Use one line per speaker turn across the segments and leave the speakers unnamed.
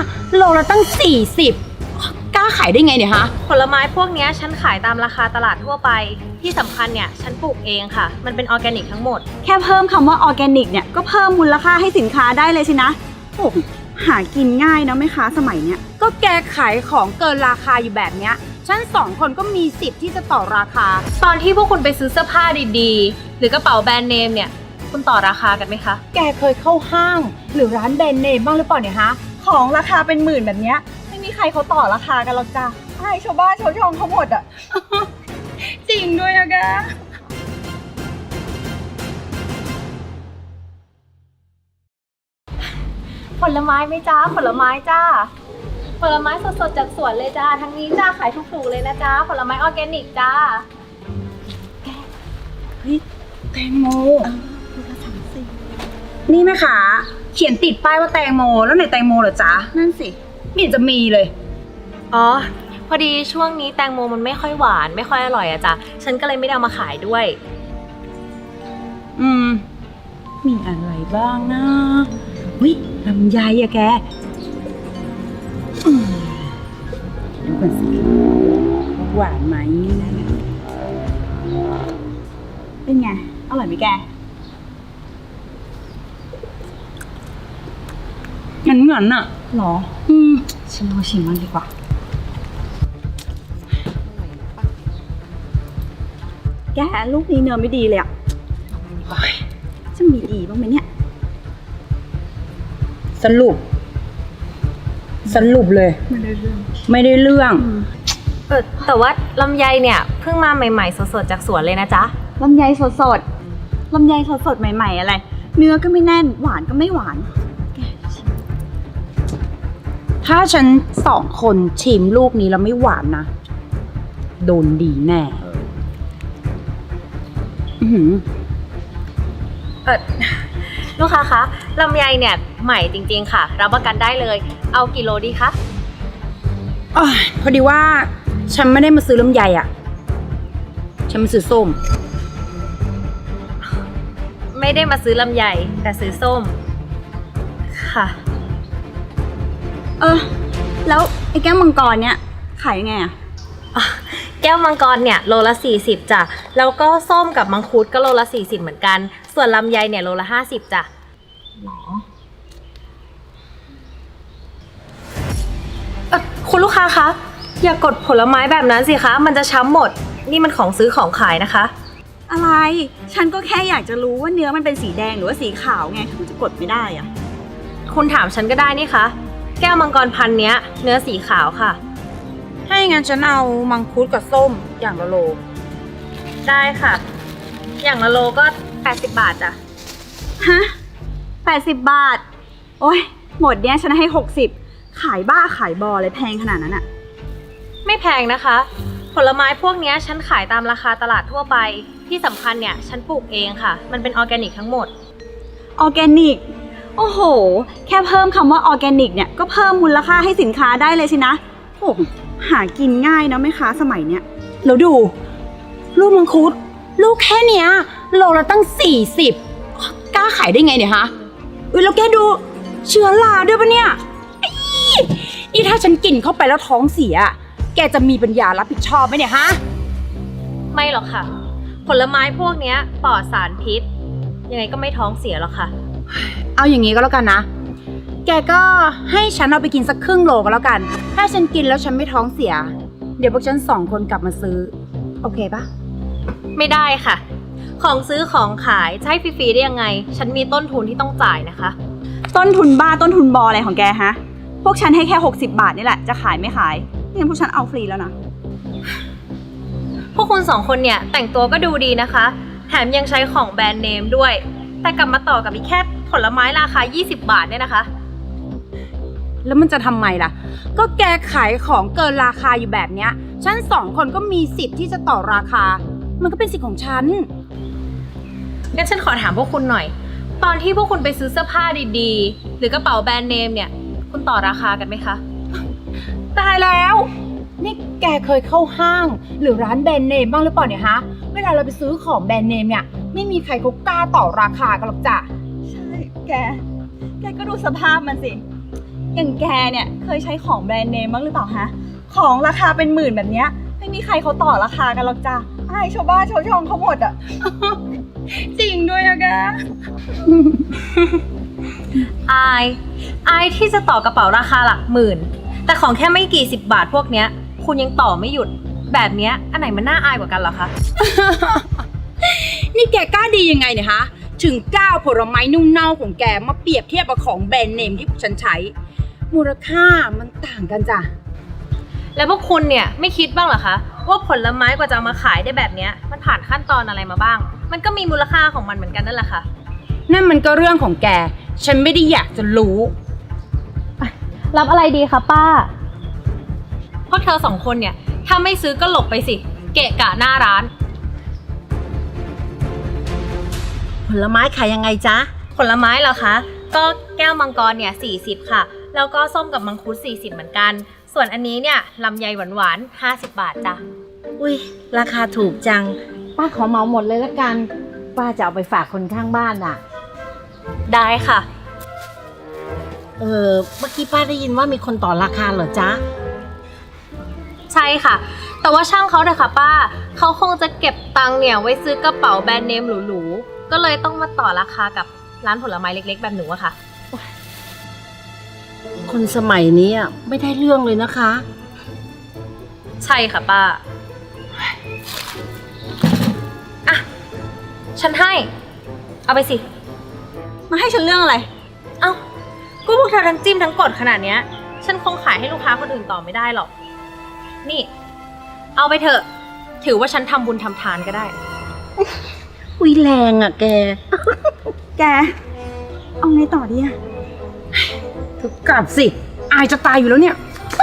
โลละตั้ง40กล้าขายได้ไงเนี่ยฮะ
ผลไม้พวกนี้ฉันขายตามราคาตลาดทั่วไปที่สำคัญเนี่ยฉันปลูกเองค่ะมันเป็นออร์แกนิกทั้งหมด
แค่เพิ่มคำว่าออร์แกนิกเนี่ยก็เพิ่มมูลค่าให้สินค้าได้เลยสินะโอ้หากินง่ายนะแม่ค้าสมัยเนี้ย
ก็แกขายของเกินราคาอยู่แบบเนี้ยฉัน2คนก็มีสิทธิ์ที่จะต่อราคา
ตอนที่พวกคุณไปซื้อเสื้อผ้าดีๆหรือกระเป๋าแบรนด์เนมเนี่ยคุณต่อราคากันไหมคะ
แกเคยเข้าห้างหรือร้านแบรนด์เนมบ้างหรือเปล่าเนี่ยฮะ
ของราคาเป็นหมื่นแบบเนี้ยไม่มีใครเขาต่อราคากันหรอกจ้ะให้ชาวบ้านชาวช่องเขาหมดอ่ะ
จริงด้วยนะแก
ผลไม้ไหมจ้าผลไม้จ้าผลไม้สดๆจากสวนเลยจ้าทั้งนี้จ้าขายถูกๆเลยนะจ้าผลไม้ออร์แกนิกจ้า
เฮ้ยแตงโมนี่แม่ค้าเขียนติดป้ายว่าแตงโมแล้วไหนแตงโมเหรอจ๊ะ
นั่นสิ
ไม่เห็นจะมีเลย
อ๋อพอดีช่วงนี้แตงโมมันไม่ค่อยหวานไม่ค่อยอร่อยอะจ้ะฉันก็เลยไม่ได้เอามาขายด้วย
มีอะไรบ้างนะวิลำไยอะแกดูก่อนสิหวานไหม
เป็นไงอร่อยไหมแก
งั้นอะ
หรอ
ฉันลองชิมมันดีกว่า
แกลูกนี้เนื้อไม่ดีเลยอ่ะจะมีดีบ้างไหมเนี่ย
สรุปเลยไม่ได้เรื่อง
แต่ว่าลำไยเนี่ยเพิ่งมาใหม่ๆสดๆจากสวนเลยนะจ๊ะ
ลำไยสดลำไยสดใหม่ๆอะไรเนื้อก็ไม่แน่นหวานก็ไม่หวาน
ถ้าฉัน2คนชิมลูกนี้แล้วไม่หวานนะโดนดีแน่
ลูกค้าคะลำไยเนี่ยใหม่จริงๆค่ะรับประกันได้เลยเอากี่โลดีคะ
พอดีว่าฉันไม่ได้มาซื้อลำไยอ่ะฉันมาซื้อส้ม
ไม่ได้มาซื้อลำไยแต่ซื้อส้มค่ะ
แล้วไอ้แก้วมังกรเนี่ยขายยังไงอะ
แก้วมังกรเนี่ยโลละ40จ้ะแล้วก็ส้มกับมังคุดก็โลละ40เหมือนกันส่วนลำไยเนี่ยโลละ50จ้ะหรอคุณลูกค้าคะอย่ากดผลไม้แบบนั้นสิคะมันจะช้ำหมดนี่มันของซื้อของขายนะคะ
อะไรฉันก็แค่อยากจะรู้ว่าเนื้อมันเป็นสีแดงหรือว่าสีขาวไงมันจะกดไม่ได้อะ
คุณถามฉันก็ได้นี่คะแก้วมังกรพันเนี้ยเนื้อสีขาวค่ะ
ให้งั้นฉันเอามังคุดกับส้มอย่างละโล
ได้ค่ะอย่างละโลก็80 บาทจ้ะ
ฮะ80 บาทโอ้ยหมดเนี้ยฉันให้60ขายบ้าขายบอเลยแพงขนาดนั้นอะ
ไม่แพงนะคะผลไม้พวกนี้ฉันขายตามราคาตลาดทั่วไปที่สำคัญเนี่ยฉันปลูกเองค่ะมันเป็นออร์แกนิกทั้งหมด
ออร์แกนิกโอ้โหแค่เพิ่มคำว่าออร์แกนิกเนี่ยก็เพิ่มมูลค่าให้สินค้าได้เลยสินะโอ้หากินง่ายนะแม่ค้าสมัยเนี้ย
แล้วดูลูกมังคุดลูกแค่เนี้ยโลละตั้ง40กล้าขายได้ไงเนี่ยฮะแล้วแกดูเชื้อราด้วยปะเนี่ยนี่ถ้าฉันกินเข้าไปแล้วท้องเสียแกจะมีปัญญารับผิดชอบไหมเนี่ยฮะ
ไม่หรอกค่ะผลไม้พวกนี้ปลอดสารพิษยังไงก็ไม่ท้องเสียหรอกค่ะ
เอาอย่างนี้ก็แล้วกันนะแกก็ให้ฉันเอาไปกินสักครึ่งโลก็แล้วกันถ้าฉันกินแล้วฉันไม่ท้องเสียเดี๋ยวพวกฉัน2คนกลับมาซื้อโอเคปะ
ไม่ได้ค่ะของซื้อของขายจะให้ฟรีๆได้ยังไงฉันมีต้นทุนที่ต้องจ่ายนะคะ
ต้นทุนบ้าต้นทุนบออะไรของแกฮะพวกฉันให้แค่60 บาทนี่แหละจะขายไม่ขายงั้นพวกฉันเอาฟรีแล้วนะ
พวกคุณ2คนเนี่ยแต่งตัวก็ดูดีนะคะแถมยังใช้ของแบรนด์เนมด้วยแต่กลับมาต่อกับอีกแค่ผลไม้ราคา20 บาทเนี่ยนะคะ
แล้วมันจะทำไมล่ะก็แกขายของเกินราคาอยู่แบบเนี้ยฉัน2คนก็มีสิทธิ์ที่จะต่อราคามันก็เป็นสิทธิ์ของฉัน
งั้นฉันขอถามพวกคุณหน่อยตอนที่พวกคุณไปซื้อเสื้อผ้าดีๆหรือกระเป๋าแบรนด์เนมเนี่ยคุณต่อราคากันไหมคะ
ตายแล้วนี่แกเคยเข้าห้างหรือร้านแบรนด์เนมบ้างหรือเปล่าเนี่ยฮะเวลาเราไปซื้อของแบรนด์เนมเนี่ยไม่มีใครเขากล้าต่อราคากันหรอกจ้ะ
ใช่แกก็ดูสภาพมันสิอย่างแกเนี่ยเคยใช้ของแบรนด์เนมบ้างหรือเปล่าฮะ ของราคาเป็นหมื่นแบบเนี้ยไม่มีใครเขาต่อราคากันหรอกจ้ะอายชาวบ้านชาวช่องเขาหมดอะ
จริงด้วยอะแก
อายที่จะต่อกระเป๋าราคาหลักหมื่น แต่ของแค่ไม่กี่10 บาทพวกเนี้ย คุณยังต่อไม่หยุด แบบเนี้ยอันไหนมันน่าอายกว่ากันเหรอคะ
นี่แกกล้าดียังไงเนี่ยฮะ ถึงก้าวผลไม้นุ่มเน่าของแกมาเปรียบเทียบกับของแบรนด์เนมที่พวกฉันใช้ มูลค่ามันต่างกันจ้ะ
แล้วพวกคุณเนี่ยไม่คิดบ้างเหรอคะว่าผลไม้กว่าจะเอามาขายได้แบบเนี้ยมันผ่านขั้นตอนอะไรมาบ้าง มันก็มีมูลค่าของมันเหมือนกันนั่นแหละค่ะ
นั่นมันก็เรื่องของแก ฉันไม่ได้อยากจะรู้
รับอะไรดีคะป้า พวกเธอ2 คนเนี่ยถ้าไม่ซื้อก็หลบไปสิ เกะกะหน้าร้าน
ผลไม้ขายยังไงจ๊ะ
ผลไม้เหรอคะ ก็แก้วมังกรเนี่ย40ค่ะ แล้วก็ส้มกับมังคุด40เหมือนกัน ส่วนอันนี้เนี่ยลำไยหวานๆ50 บาทจ้ะ
อุ้ยราคาถูกจัง ป้าขอเหมาหมดเลยละกัน ป้าจะเอาไปฝากคนข้างบ้านอ่ะ
ได้ค่ะ
เมื่อกี้ป้าได้ยินว่ามีคนต่อราคาเหรอจ๊ะ
ใช่ค่ะ แต่ว่าช่างเขาเถอะค่ะป้า เขาคงจะเก็บตังค์เนี่ยไว้ซื้อกระเป๋าแบรนด์เนมหรูๆ ก็เลยต้องมาต่อราคากับร้านผลไม้เล็กๆ แบบหนูอะค่ะ
คนสมัยนี้อะไม่ได้เรื่องเลยนะคะ
ใช่ค่ะป้า อ่ะ ฉันให้ เอาไปสิ
มาให้ฉันเรื่องอะไร
เอ้าก็พวกเธอทั้งจิ้มทั้งกดขนาดเนี้ย ฉันคงขายให้ลูกค้าคนอื่นต่อไม่ได้หรอก นี่ เอาไปเถอะ ถือว่าฉันทำบุญทำทานก็ได้
อุ้ยแรงอ่ะแก
แก เอาไงต่อดีอะ
ถูกกลับสิ อายจะตายอยู่แล้วเนี่ย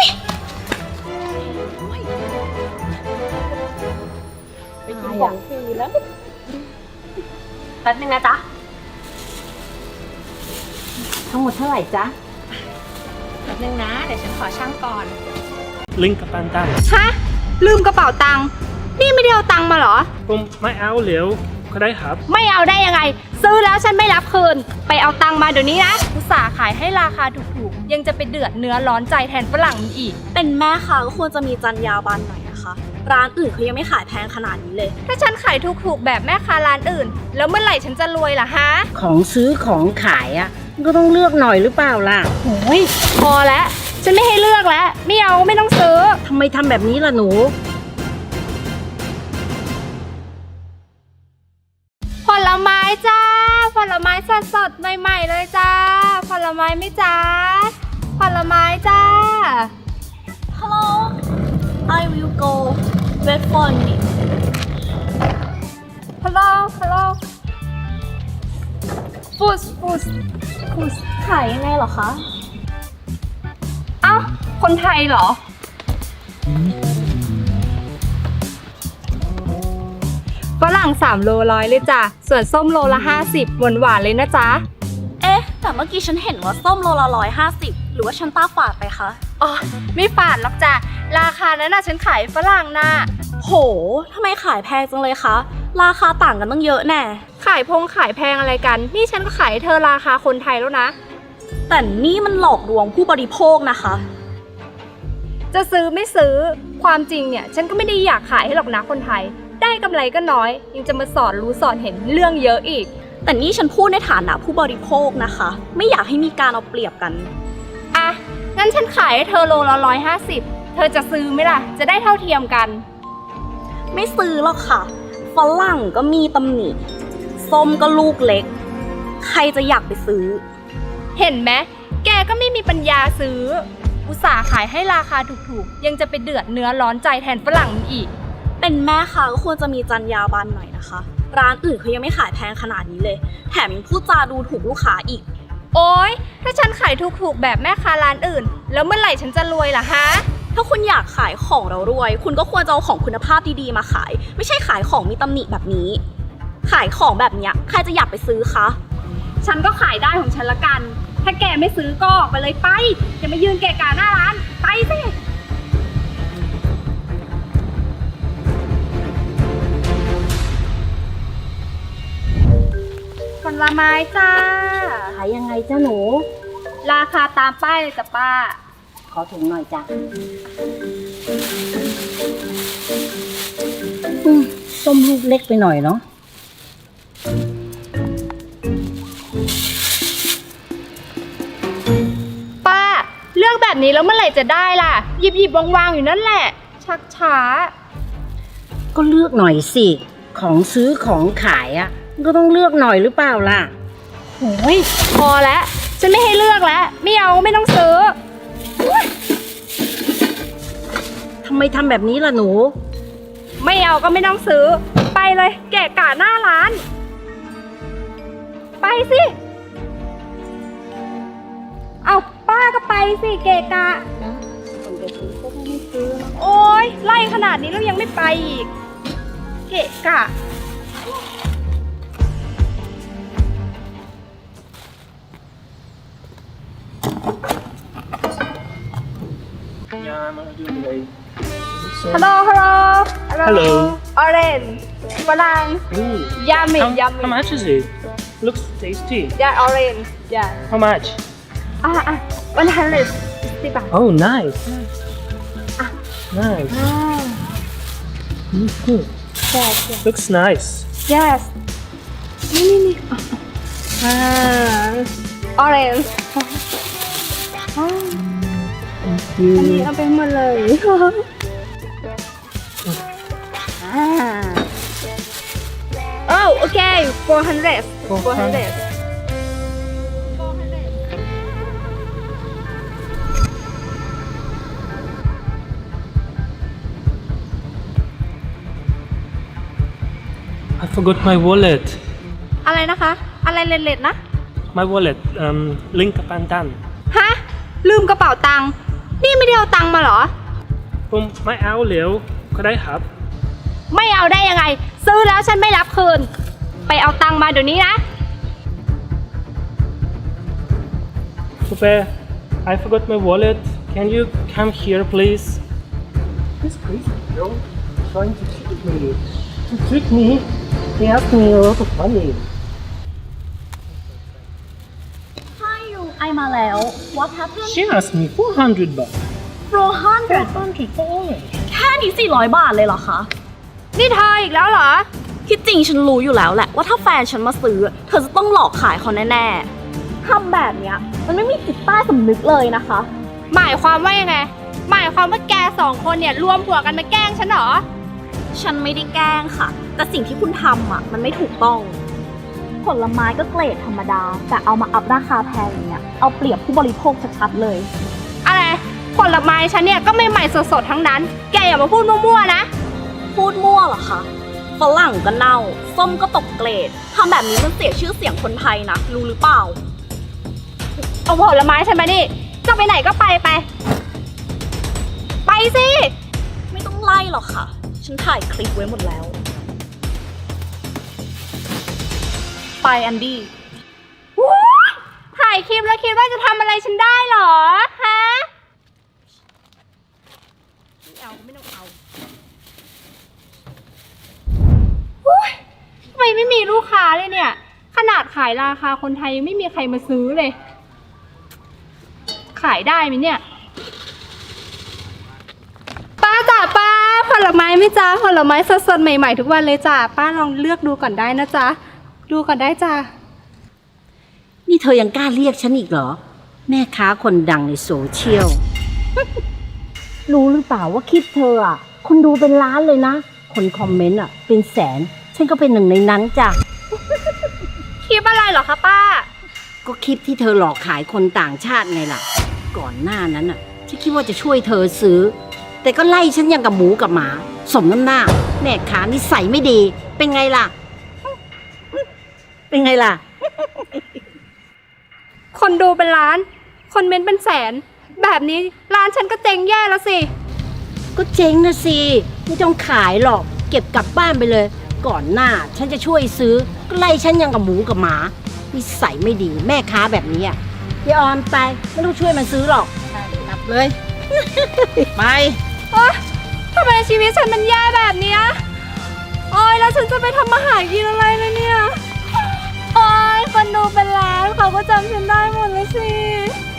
ไปกินของฟรีแล้วแป๊บนึงนะจ๊ะ
ทั้งหมดเท่าไหร่จ๊ะ
แป๊บนึงนะ เดี๋ยวฉันขอช่างก่อน
ลิงก์กับปันตัน
ฮะ ลืมกระเป๋าตังค์นี่ไม่ได้เอาตังค์มาเหรอ
ผมไม่เอาเหลวก็ได้ครับ
ไม่เอาได้ยังไง ซื้อแล้วฉันไม่รับคืน ไปเอาตังค์มาเดี๋ยวนี้นะอุตส่าห์ขายให้ราคาถูกๆ ยังจะไปเดือดเนื้อร้อนใจแทนฝรั่งมันอีก
เป็นแม่ค้าก็ควรจะมีจรรยาบรรณหน่อยนะคะ ร้านอื่นเขายังไม่ขายแพงขนาดนี้เลย
ถ้าฉันขายถูกๆ แบบแม่ค้าร้านอื่น แล้วเมื่อไหร่ฉันจะรวยล่ะฮะ
ของซื้อของขายอ่ะมันก็ต้องเลือกหน่อยหรือเปล่าล่ะ
โอ้ยพอแล้ว ฉันไม่ให้เลือกแล้ว ไม่เอาไม่ต้องซื้อ
ทำไมทำแบบนี้ล่ะหนู
ผลไม้จ้า ผลไม้สดๆ ใหม่ๆ เลยจ้า ผลไม้ไหม่จ้า ผลไม้จ้า
Hello I will go wait for me
Hello Hello ฟูสขายยังไงเหรอคะ เอ้า คนไทยเหรอ ฝรั่ง3 โลร้อยเลยจ้ะ ส่วนส้มโลละ50หวานๆเลยนะจ๊ะ
เอ๊ะ แต่เมื่อกี้ฉันเห็นว่าส้มโลละ150หรือว่าฉันตาฝาดไปคะ
อ๋อ ไม่ฝาดหรอกจ้ะ ราคานั้นน่ะฉันขายฝรั่งน่ะ
โห ทำไมขายแพงจังเลยคะ ราคาต่างกันตั้งเยอะแน่
ขายแพงอะไรกัน นี่ฉันก็ขายให้เธอราคาคนไทยแล้วนะ
แต่นี่มันหลอกลวงผู้บริโภคนะคะ
จะซื้อไม่ซื้อ ความจริงเนี่ย ฉันก็ไม่ได้อยากขายให้หรอกนะคนไทย ได้กำไรก็น้อย ยังจะมาสอนรู้สอนเห็นเรื่องเยอะอีก
แต่นี่ฉันพูดในฐานะผู้บริโภคนะคะ ไม่อยากให้มีการเอาเปรียบกัน
อ่ะ งั้นฉันขายให้เธอโลละ150เธอจะซื้อไหมล่ะ จะได้เท่าเทียมกัน
ไม่ซื้อหรอกค่ะฝรั่งก็มีตำหนิส้มก็ลูกเล็ก ใครจะอยากไปซื้อ
เห็นไหมแกก็ไม่มีปัญญาซื้อ อุตส่าห์ขายให้ราคาถูกๆ ยังจะไปเดือดเนื้อร้อนใจแทนฝรั่งมันอีก
เป็นแม่ค้าก็ควรจะมีจรรยาบรรณหน่อยนะคะ ร้านอื่นเขายังไม่ขายแพงขนาดนี้เลย แถมยังพูดจาดูถูกลูกค้าอีก
โอ๊ย ถ้าฉันขายถูกๆ แบบแม่ค้าร้านอื่น แล้วเมื่อไหร่ฉันจะรวยล่ะฮะ
ถ้าคุณอยากขายของเรารวย คุณก็ควรจะเอาของคุณภาพดีๆมาขาย ไม่ใช่ขายของมีตำหนิแบบนี้ ขายของแบบเนี้ยใครจะอยากไปซื้อคะ
ฉันก็ขายได้ของฉันละกัน ถ้าแกไม่ซื้อก็ออกไปเลยไป อย่ามายืนเกะกะหน้าร้าน ไปสิ ผลไม้จ้า
ขายยังไงจ้าหนู
รราคาตามป้ายเลยจ้ะป้า
ขอถุงหน่อยจ้ะส้มลูกเล็กไปหน่อยเนาะ
ป้า เลือกแบบนี้แล้วเมื่อไหร่จะได้ล่ะ หยิบวางๆอยู่นั่นแหละ ชักช้า
ก็เลือกหน่อยสิ ของซื้อของขายอ่ะก็ต้องเลือกหน่อยหรือเปล่าล่ะ
โอ้ยพอแล้ว ฉันไม่ให้เลือกแล้ว ไม่เอาไม่ต้องซื้อ
ทำไมทำแบบนี้ล่ะหนู
ไม่เอาก็ไม่ต้องซื้อ ไปเลยแกะกะหน้าร้าน ไปสิ เอาป้าก็ไปสิเกะกะโอ้ยไล่ขนาดนี้แล้วยังไม่ไปอีก เกะกะ
Yeah, I'm gonna do it today.
ฮัลโหล
Hello.
Orange ฝรั่ง
Ooh.
ยามิ
How much is it? Looks tasty.
ยา Orange ยา
How much?
160 บาท
Oh, nice. Nice. Mhm. Looks nice.
yes นี่Orange อันนี้เอาไปหมดเลยโอ้โอเค400
I forgot my wallet.
อะไรนะคะ อะไรเล็ดๆนะ
My wallet. Link Kapantan.
ฮะ ลืมกระเป๋าตังค์ นี่ไม่ได้เอาตังค์มาเหรอ
ไม่เอาเหลวก็ได้ครับ
ไม่เอาได้ยังไง ซื้อแล้วฉันไม่รับคืน ไปเอาตังค์มาเดี๋ยวนี้นะ
Super, I forgot my wallet. Can you come here, please? This crazy girl trying to trick me. To trick me, he asked me a lot of money.
Hi you ไอมาแล้ว What happened
She asked me 400 baht.
400
400 for orange.
แค่นี้400 บาทเลยเหรอคะ
นี่เธออีกแล้วเหรอ
ที่จริงฉันรู้อยู่แล้วแหละว่าถ้าแฟนฉันมาซื้อ เธอจะต้องหลอกขายเขาแน่ๆทำแบบเนี้ยมันไม่มีจิตใต้สำนึกเลยนะคะ
หมายความว่ายังไง หมายความว่าแก2 คนเนี่ยรวมหัวกันมาแกล้งฉันเหรอ
ฉันไม่ได้แกล้งค่ะ แต่สิ่งที่คุณทำอ่ะมันไม่ถูกต้อง ผลไม้ก็เกรดธรรมดา แต่เอามาอัพราคาแพงอย่างเงี้ยเอาเปรียบผู้บริโภคชัดๆเลย
อะไร ผลไม้ฉันเนี่ยก็ไม่ใหม่สดๆทั้งนั้น แกอย่ามาพูดมั่วๆนะ
พูดมั่วเหรอคะฝรั่งก็เน่า ส้มก็ตกเกรดทำแบบนี้มันเสียชื่อเสียงคนไทยนะ รู้หรือเปล่า
เอาผลไม้ฉันมาดิจะไปไหนก็ไป ไปสิ
ไม่ต้องไล่หรอกค่ะ ฉันถ่ายคลิปไว้หมดแล้ว ไปแอนดี้
วู้ยถ่ายคลิปแล้วคิดว่าจะทำอะไรฉันได้เหรอ ฮะ ไม่ต้องเอาวู้ยทำไมไม่มีลูกค้าเลยเนี่ย ขนาดขายราคาคนไทยยังไม่มีใครมาซื้อเลย ขายได้ไหมเนี่ย ป้าจ๋าป้าผลไม้ไหม่จ้าผลไม้สดๆใหม่ๆทุกวันเลยจ้าป้าลองเลือกดูก่อนได้นะจ๊ะ ดูก่อนได้จ้า
นี่เธอยังกล้าเรียกฉันอีกเหรอ แม่ค้าคนดังในโซเชียล รู้หรือเปล่าว่าคลิปเธออ่ะ คนดูเป็นล้านเลยนะ คนคอมเมนต์อ่ะเป็นแสน ฉันก็เป็นหนึ่งในนั้นจ้ะ
คลิปอะไรเหรอคะป้า
ก็คลิปที่เธอหลอกขายคนต่างชาติไงล่ะ ก่อนหน้านั้นอ่ะฉันคิดว่าจะช่วยเธอซื้อ แต่ก็ไล่ฉันอย่างกับหมูกับหมา สมน้ำหน้า แม่ค้านิสัยไม่ดี เป็นไงล่ะ เป็นไงล่ะ
คนดูเป็นล้าน คนเมนต์เป็นแสน แบบนี้ร้านฉันก็เจ๊งแย่แล้วสิ
ก็เจ๊งนะสิไม่ต้องขายหรอก เก็บกลับบ้านไปเลย ก่อนหน้าฉันจะช่วยซื้อ ก็ไล่ฉันอย่างกับหมูกับหมานิสัยไม่ดี แม่ค้าแบบนี้อ่ะยายออมไปไม่ต้องช่วยมันซื้อหรอกกลับเลย ไป
ทำไมชีวิตฉันมันแย่แบบเนี้ยโอ๊ยแล้วฉันจะไปทำมาหากินอะไรเลยเนี่ย โอ๊ยคนดูเป็นล้านเขาก็จำฉันได้หมดเลยสิ